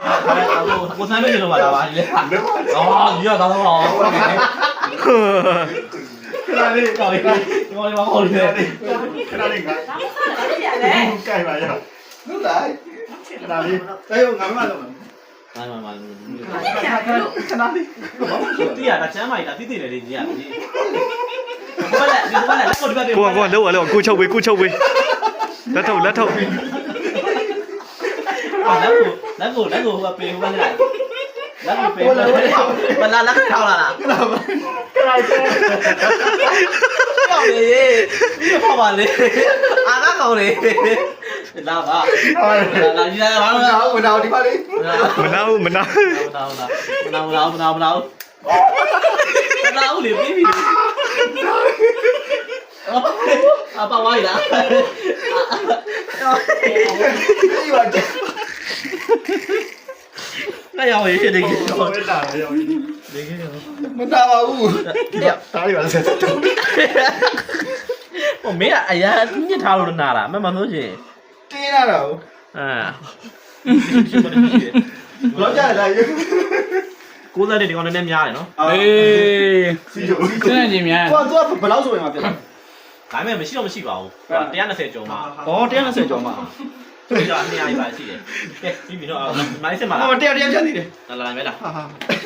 ကိုစမ်းမေးလို့ပါလားပါလေအော်ဒီကတော့ခဏလေးကောင်းလေးဒီမောင်လေးမခေါ်လို့ခဏလေးကကြိုက်ပါရောဟုတ်လားခဏလေးအဲငါမလုပ်မှာမခဏလေးတီးရတာချမ်းမိုက်တာတိတိလေးလေးကြီးရတယ်ဘာလဲဒီဘာလဲလက်ကိုဒီဘက်ပြေကိုလောက်ကိုချုပ်ပေးလက်ထုတ်လက်ကိုဟိုပေးဟိုဘာလဲလက်ကိုပေးမလာလက်ထောက်လာလားခဏကောင်းလေဒီပေါ့ပါလေအာကကောင်းလေလာပါလာကြီးလာပါမနာဒီပါလေမနာမနာလေပြီးပြီအပါဝိုင်းလားဒီပါ那要我也得给我打了，要得给我。没打吧我，打你吧这。我没啊，哎呀，你打了哪了？慢慢东西。对啦了。啊。老家来有。ကိုယ်တဲ့ဒီကောင်နဲ့များတယ်နော်အေးစနေချင်းများကိုကဘယ်လောက်ဆိုရင်မှပြတ်ဒါပေမဲ့မရှိတော့မရှိပါဘူး120ကျော်မှာဩ120ကျော်မှာသူက200ပါရှိတယ်ကဲပြီးပြီတော့မိုင်းစင်ပါလားဟောတရားဖြတ်နေတယ်လာလာမဲလား